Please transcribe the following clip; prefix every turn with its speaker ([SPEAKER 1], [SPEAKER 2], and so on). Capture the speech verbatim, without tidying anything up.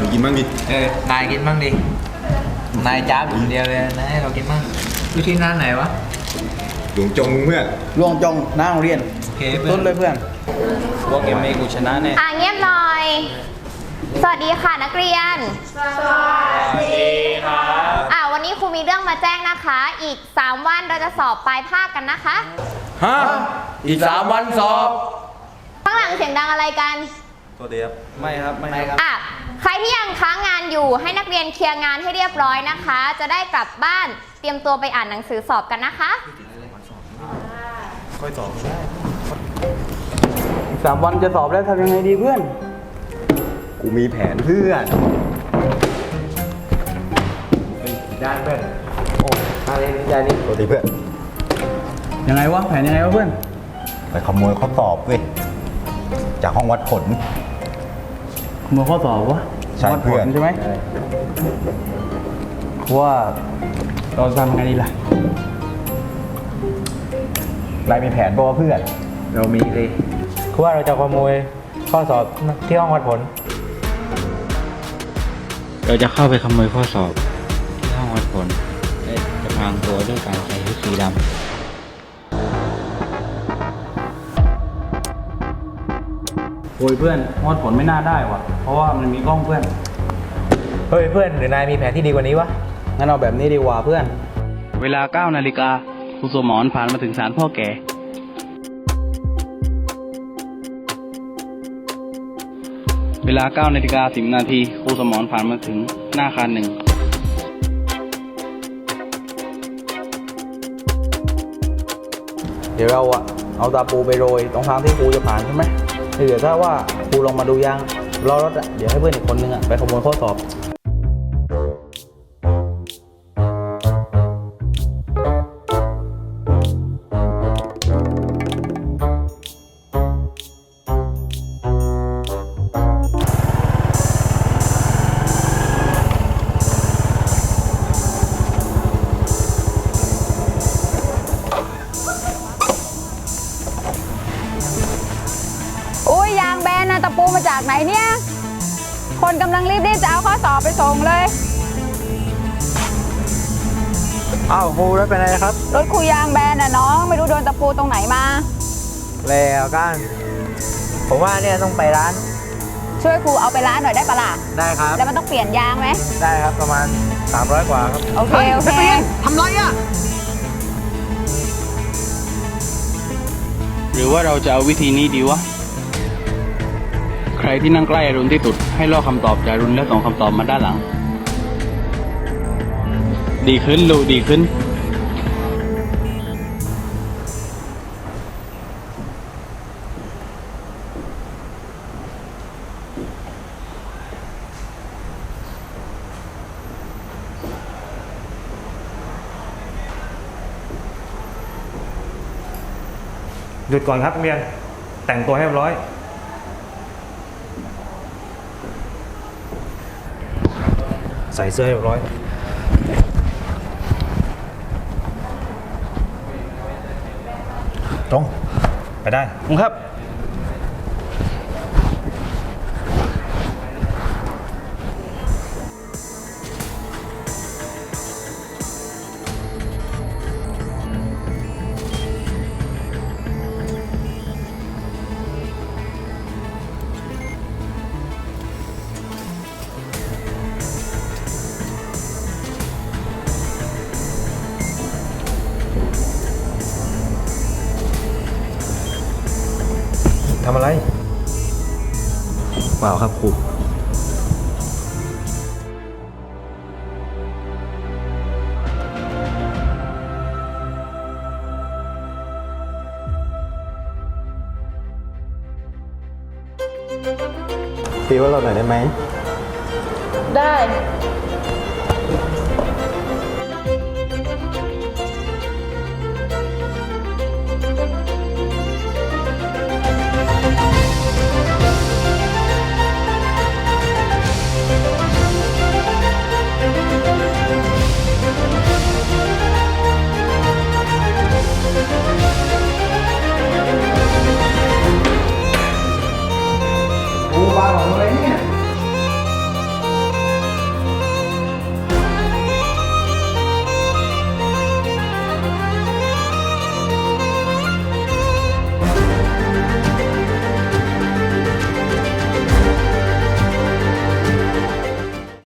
[SPEAKER 1] มึงกินบ้างดิ
[SPEAKER 2] เออนายกินบ้างดินายจ้าอยู่คนเดียวเลยนายให้เรากินบ้างอยู่ที่ร้านไหนวะ
[SPEAKER 1] หลวงจงเพื่อน
[SPEAKER 3] ลวงจงหน้าโรงเรียน
[SPEAKER 2] โอเค
[SPEAKER 3] ต้นเลยเพื่อน
[SPEAKER 2] พวกเกมเมกูชนะแน่
[SPEAKER 4] อ่ะเงียบหน่อย สวัสดีค่ะนักเรียนสวัสดีครับอ่ะวันนี้ครูมีเรื่องมาแจ้งนะคะ อีกสามวันเราจะสอบปลายภาคกันนะคะ
[SPEAKER 3] ฮะอีกสามวันสอบ
[SPEAKER 4] ข้างหลังเสียงดังอะไรกัน
[SPEAKER 1] ตัวเดียว
[SPEAKER 2] ไม่ครับไม่ครับ
[SPEAKER 4] อ่ะใครที่ยังค้างงานอยู่ให้นักเรียนเคลียร์งานให้เรียบร้อยนะคะ จะได้กลับบ้านเตรียมตัวไปอ่านหนังสือสอบกันนะคะ
[SPEAKER 1] ค่อยสอบได้
[SPEAKER 3] อีกสามวันจะสอบแล้วทำยังไงดีเพื่อน
[SPEAKER 1] กูมีแผนเพื่อน
[SPEAKER 2] ด้านเพื่อนโอ้อะไรนี่ยานี่
[SPEAKER 1] ตัวดีเพื่อน
[SPEAKER 3] ยังไงวะแผนยังไงวะเพื่อน
[SPEAKER 1] ไปขโมยข้อสอบเว้ยจากห้องวัดผล
[SPEAKER 3] มือข้อสอบวะ
[SPEAKER 1] ใช่เพื่อน
[SPEAKER 3] วัดผลใช่ไหมว่าเราจะทำยังไงดีล่ะ
[SPEAKER 1] นายมีแผนป่าวเพื่อน
[SPEAKER 2] เรามีเลยคือว่าเราจะขโมยข้อสอบที่ห้องวัดผลเราจะเข้าไปขโมยข้อสอบที่ห้องวัดผลและจะพรางตัวด้วยการใส่ชุดสีดำ
[SPEAKER 3] โอ้ยเพื่อนวัดผลไม่น่าได้ว่ะ เพราะว่ามันมีกล้องเพื่อน
[SPEAKER 2] เฮ้ยเพื่อนหรือนายมีแผนที่ดีกว่านี้วะ
[SPEAKER 3] งั้นเอาแบบนี้ดีกว่าเพื่อน
[SPEAKER 5] เวลาเก้านาฬิกาครูสมรผ่านมาถึงศาลพ่อแก่ เวลาเก้านาฬิกาสิบนาทีครูสมรผ่านมาถึงหน้าอาคารหนึ่ง
[SPEAKER 3] เดี๋ยวเราอะเอาตาปูไปโรยตรงทางที่ครูจะผ่านใช่ไหมเดี๋ยวถ้าว่าครูลงมาดูยังรอรถอะเดี๋ยวให้เพื่อนอีกคนนึงอะไปขโมยข้อสอบ
[SPEAKER 6] อุ้ยยางแบนนะตะปูมาจากไหนเนี่ย คนกำลังรีบๆจะเอาข้อสอบไปส่งเลย
[SPEAKER 2] อ้าวครูแล้วเป็นไรครับ
[SPEAKER 6] รถครูยางแบนน่ะน้องไม่รู้โดนตะปูตรงไหนมา
[SPEAKER 2] แล้วกันผมว่าเนี่ยต้องไปร้าน
[SPEAKER 6] ช่วยครูเอาไปร้านหน่อยได้ปะล่ะ
[SPEAKER 2] ได้ครับ
[SPEAKER 6] แล้วมันต้องเปลี่ยนยางไหม
[SPEAKER 2] ได้ครับประมาณสามร้อยกว่าครับ
[SPEAKER 6] โอเคโอเค
[SPEAKER 2] ทำไรอ่ะ
[SPEAKER 5] หรือว่าเราจะเอาวิธีนี้ดีวะ ใครที่นั่งใกล้อรุณที่สุดให้ลอกคำตอบจากอรุณแล้วส่งคำตอบมาด้านหลัง ดีขึ้นลูกดีขึ้น
[SPEAKER 7] หยุดก่อนครับนักเรียนแต่งตัวให้เรียบร้อยใส่เสื้อให้เรียบร้อยตรงไปได้ครับทำอะไรเปล่าครับครู
[SPEAKER 1] ตีว่าเราหน่อยได้ไหม
[SPEAKER 6] ได้